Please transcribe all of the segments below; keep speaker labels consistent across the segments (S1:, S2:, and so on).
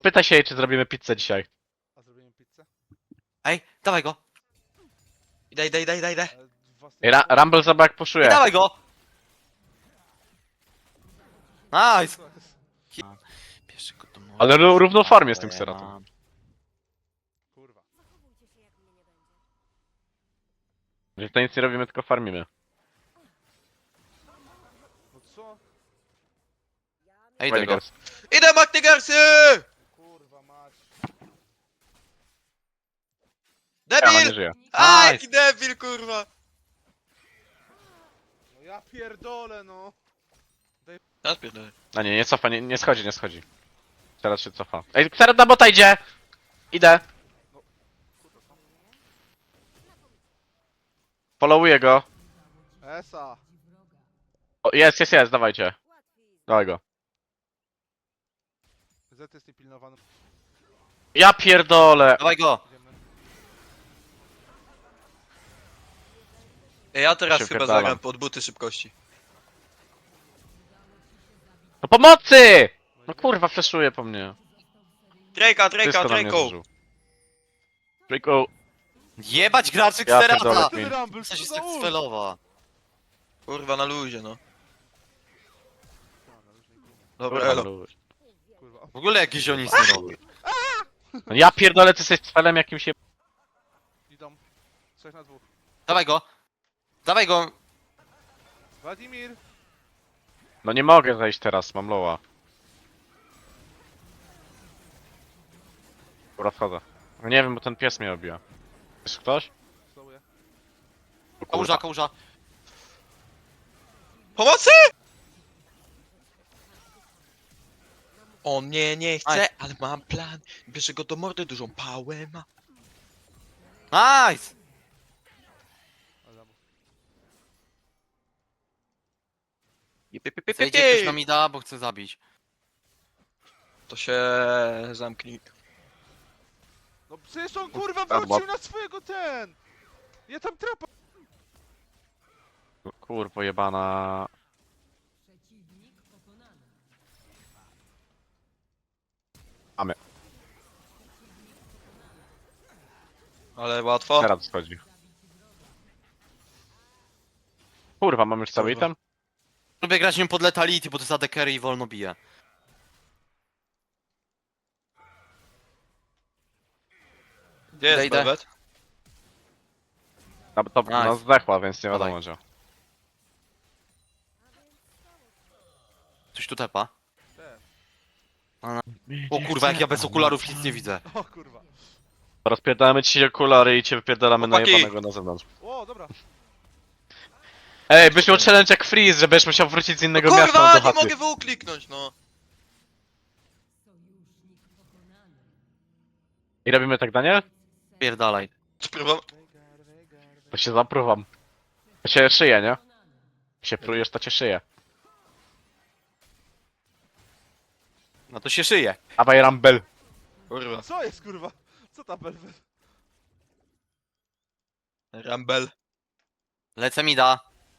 S1: Pytaj się jej, czy zrobimy pizzę dzisiaj.
S2: A zrobimy pizzę?
S3: Ej, dawaj go.
S4: Idę.
S2: Ale
S1: Ej, Rumble zobacz jak
S3: Ej,
S1: puszuje.
S3: dawaj go. Nice.
S2: Co jest?
S3: Bierze go do morza.
S1: Ale równą formie z tym Xeratem.
S2: Kurwa.
S1: Że to nic nie robimy, tylko farmimy.
S2: No co?
S3: Ej, idę go.
S1: Vegas.
S4: Idę, Magnigersy!
S2: Kurwa mać.
S1: Ja nie
S4: Debil!
S1: żyję.
S4: Aj,
S3: Nice.
S4: jaki debil, kurwa!
S2: No ja pierdolę no.
S4: Ja spierdolę.
S1: A nie cofa, nie schodzi, nie schodzi. Teraz się cofa. Ej, Xerath na bota idzie! Idę. Followuję go.
S2: Esa.
S1: O, jest, dawajcie. Dawaj go.
S2: Z jest niepilnowany.
S1: Ja pierdolę!
S3: Dawaj go.
S2: Idziemy.
S4: Ja teraz
S1: Się
S4: chyba
S1: wpierdalam.
S4: zagram pod buty szybkości.
S1: No pomocy! No kurwa, fleszuje po mnie. Wszystko na mnie
S4: Drake'o!
S1: zużył. Drake'o.
S3: Jebać graczy
S1: Ja pierdolę.
S3: Xerata.
S2: Ten Rumble,
S3: Co
S2: co
S3: się
S2: za
S3: tak
S2: ult?
S3: sfelowa?
S4: Kurwa, na luzie, no. Dobra,
S1: Kurwa,
S4: elo.
S1: luź.
S2: Kurwa.
S3: W ogóle jakiś on nic nie robi.
S1: No ja pierdolę, ty jesteś celem jakimś się...
S2: Idą. 3 na 2.
S3: Dawaj go. Dawaj go.
S2: Wladimir.
S1: No nie mogę zejść teraz, mam loła. Dobra, wchodzę. No nie wiem, bo ten pies mnie obija. Jest ktoś?
S2: Stołuję.
S1: O kurwa.
S3: Kałuża, kałuża.
S4: Pomocy! On mnie nie chce, ale mam plan. Bierze go do mordy, dużą pałę ma.
S3: Nice.
S2: Ale
S3: Zejdzie ktoś na mida, bo chce zabić.
S4: To się zamknij.
S2: no przecież on kurwa
S1: Dobra.
S2: wrócił na swojego ten! Ja tam trapa.
S1: No kurwa jebana. Mamy.
S4: Ale łatwo.
S1: Teraz schodzi. Kurwa, mam już cały
S4: Kurwa.
S1: item?
S3: Lubię grać nim pod letality, bo to jest AD carry i wolno bije.
S4: Gdzie jest
S3: Idę.
S4: Belvet?
S1: To
S3: Nice.
S1: no zdechła, więc nie
S3: Dawaj.
S1: wiadomo gdzie.
S3: Coś tu tepa.
S2: Te.
S3: O kurwa, jak ja bez okularów nic nie widzę.
S2: O kurwa.
S1: Rozpierdalamy ci okulary i cię wypierdalamy na
S4: Chłopaki.
S1: jebanego na zewnątrz.
S2: O, dobra.
S1: Ej, byś miał challenge jak Freeze, że będziesz musiał wrócić z innego miasta
S4: Kurwa,
S1: do
S4: nie
S1: chaty.
S4: mogę wyukliknąć, no.
S1: I robimy tak, Daniel?
S3: Pierdalaj.
S4: Spróbam.
S1: To się zapruwam. To się szyje, nie? Jak się prujesz, to cię szyje.
S3: No to się szyje.
S1: Dawaj Rumble.
S4: Kurwa.
S2: Co jest kurwa? Co ta belwet?
S4: Rumble.
S3: Lecę mida.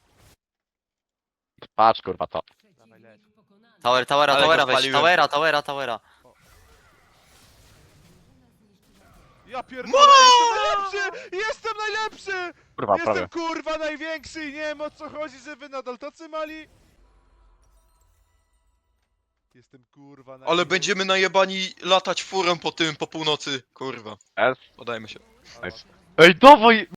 S1: Patrz kurwa to.
S2: Dawaj leć.
S3: Towera
S4: Ale go
S3: weź.
S4: spaliłem.
S3: Towera.
S2: Ja pierdolę, jestem najlepszy! Jestem najlepszy!
S1: Kurwa, prawie.
S2: Jestem kurwa największy i nie wiem o co chodzi, że wy nadal tacy mali. Jestem kurwa największy.
S4: Ale będziemy najebani latać furą po tym, po północy. Kurwa.
S1: S.
S4: Podajmy się.
S1: Nice. Ej, dawaj!